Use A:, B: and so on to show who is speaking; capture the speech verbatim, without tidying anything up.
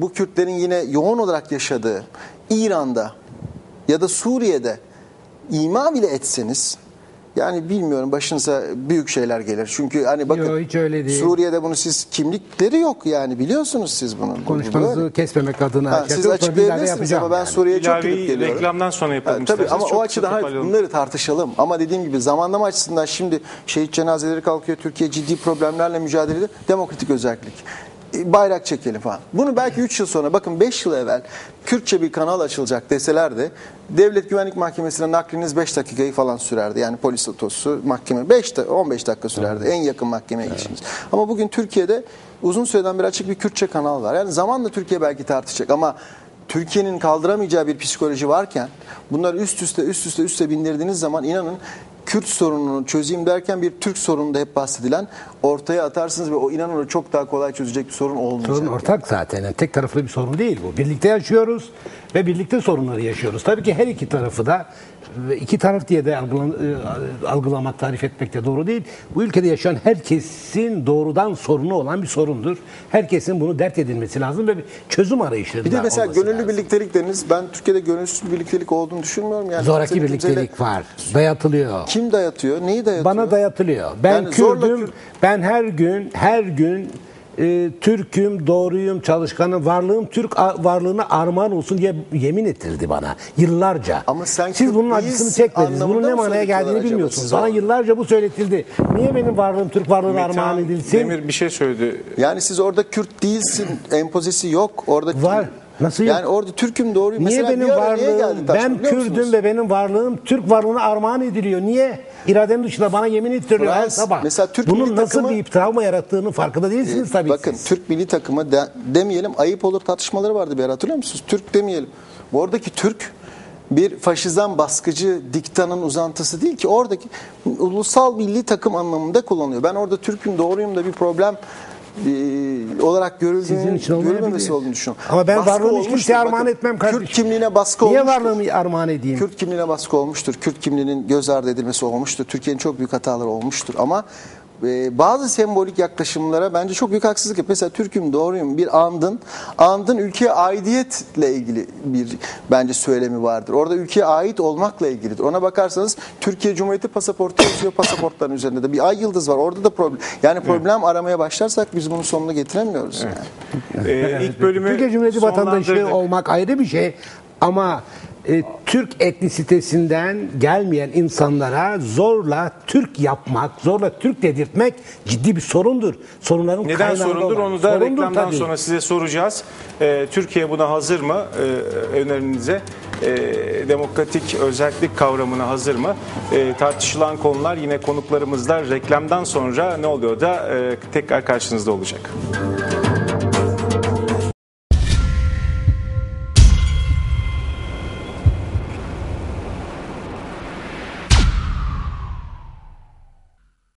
A: bu Kürtlerin yine yoğun olarak yaşadığı İran'da ya da Suriye'de ima bile etseniz, yani bilmiyorum, başınıza büyük şeyler gelir. Çünkü hani bakın,
B: Yo, hiç öyle değil.
A: Suriye'de bunu siz, kimlikleri yok yani, biliyorsunuz siz bunu.
B: Konuşmanızı kesmemek adına.
A: Ha, siz açıklayabilirsiniz ama ben yani. Suriye'ye çok gidip geliyorum.
C: Reklamdan sonra yapalım.
A: Ha, tabii ama o açıdan hayır, bunları tartışalım. Ama dediğim gibi zamanlama açısından şimdi şehit cenazeleri kalkıyor. Türkiye ciddi problemlerle mücadele ediyor. Demokratik özellik. Bayrak çekelim falan. Bunu belki üç yıl sonra, bakın beş yıl evvel Kürtçe bir kanal açılacak deselerdi, Devlet Güvenlik Mahkemesi'ne nakliniz beş dakikayı falan sürerdi. Yani polis otosu mahkeme beş on beş dakika sürerdi. En yakın mahkemeye evet. geçiniz. Ama bugün Türkiye'de uzun süreden beri açık bir Kürtçe kanal var. Yani zamanla Türkiye belki tartışacak ama Türkiye'nin kaldıramayacağı bir psikoloji varken bunları üst üste üst üste üste bindirdiğiniz zaman, inanın, Kürt sorununu çözeyim derken bir Türk sorunu da hep bahsedilen ortaya atarsınız ve o, inanın, o çok daha kolay çözecek bir sorun olmayacak.
B: Sorun ortak zaten. Yani tek taraflı bir sorun değil bu. Birlikte yaşıyoruz ve birlikte sorunları yaşıyoruz. Tabii ki her iki tarafı da, iki taraf diye de algılamak, tarif etmek de doğru değil. Bu ülkede yaşayan herkesin doğrudan sorunu olan bir sorundur. Herkesin bunu dert edilmesi lazım ve bir çözüm arayışları.
A: Bir de mesela gönüllü
B: lazım.
A: birliktelik dediniz. Ben Türkiye'de gönülsüz bir birliktelik olduğunu düşünmüyorum. Yani
B: zoraki birliktelik var. Dayatılıyor.
A: Kim dayatıyor? Neyi dayatıyor?
B: Bana dayatılıyor. Ben yani Kürdüm. Kürt... Ben her gün her gün e, Türk'üm, doğruyum, çalışkanım, varlığım Türk varlığına armağan olsun diye yemin ettirdi bana yıllarca.
A: Ama sen
B: Siz bunun acısını çekmediniz. Bunun ne manaya geldiğini bilmiyorsunuz. Bana yıllarca bu söyletildi. Niye benim varlığım Türk varlığına Metehan armağan edilsin?
C: Demir bir şey söyledi.
A: Yani siz orada Kürt değilsin empozisi yok. Orada
B: var. Nasıl yok?
A: Yani orada Türk'üm, doğruyum.
B: Niye
A: mesela
B: benim varlığım, ben Kürdüm ve benim varlığım Türk varlığına armağan ediliyor. Niye? İradenin dışında bana yemin ettiriyor her sabah. Mesela Türk Bunun nasıl takımı, bir travma yarattığını farkında değilsiniz e, tabii.
A: Bakın
B: siz.
A: Türk milli takımı de, demeyelim, ayıp olur tartışmaları vardı bir ara, hatırlıyor musunuz? Türk demeyelim. Bu oradaki Türk bir faşizan, baskıcı diktanın uzantısı değil ki, oradaki ulusal milli takım anlamında kullanılıyor. Ben orada Türk'üm, doğruyum da bir problem Ee, olarak görüldüğünü, görülmemesi olduğunu düşünüyorum.
B: Ama ben varlığımı hiç kimseye armağan etmem kardeşim.
A: Kürt kimliğine baskı
B: Niye
A: olmuştur.
B: Niye varlığımı armağan edeyim?
A: Kürt kimliğine baskı olmuştur. Kürt kimliğinin göz ardı edilmesi olmuştur. Türkiye'nin çok büyük hataları olmuştur. Ama e, bazı sembolik yaklaşımlara bence çok büyük haksızlık yapıyor. Mesela Türk'üm, doğruyum bir andın, andın ülkeye aidiyetle ilgili bir bence söylemi vardır. Orada ülkeye ait olmakla ilgilidir. Ona bakarsanız Türkiye Cumhuriyeti pasaportu yazıyor, pasaportların üzerinde de bir ay yıldız var. Orada da problem. Yani problem evet. aramaya başlarsak biz bunun sonunu getiremiyoruz. Evet.
C: Yani. Ee, ilk bölümü
B: Türkiye Cumhuriyeti vatandaşı olmak ayrı bir şey ama E, Türk etnisitesinden gelmeyen insanlara zorla Türk yapmak, zorla Türk dedirtmek ciddi bir sorundur. Sorunların
C: Neden sorundur?
B: olan.
C: Onu da
B: sorundur,
C: reklamdan
B: tabii.
C: sonra size soracağız. Ee, Türkiye buna hazır mı? Ee, önerinize e, demokratik özellik kavramına hazır mı? E, tartışılan konular yine konuklarımızla reklamdan sonra ne oluyor da e, tekrar karşınızda olacak.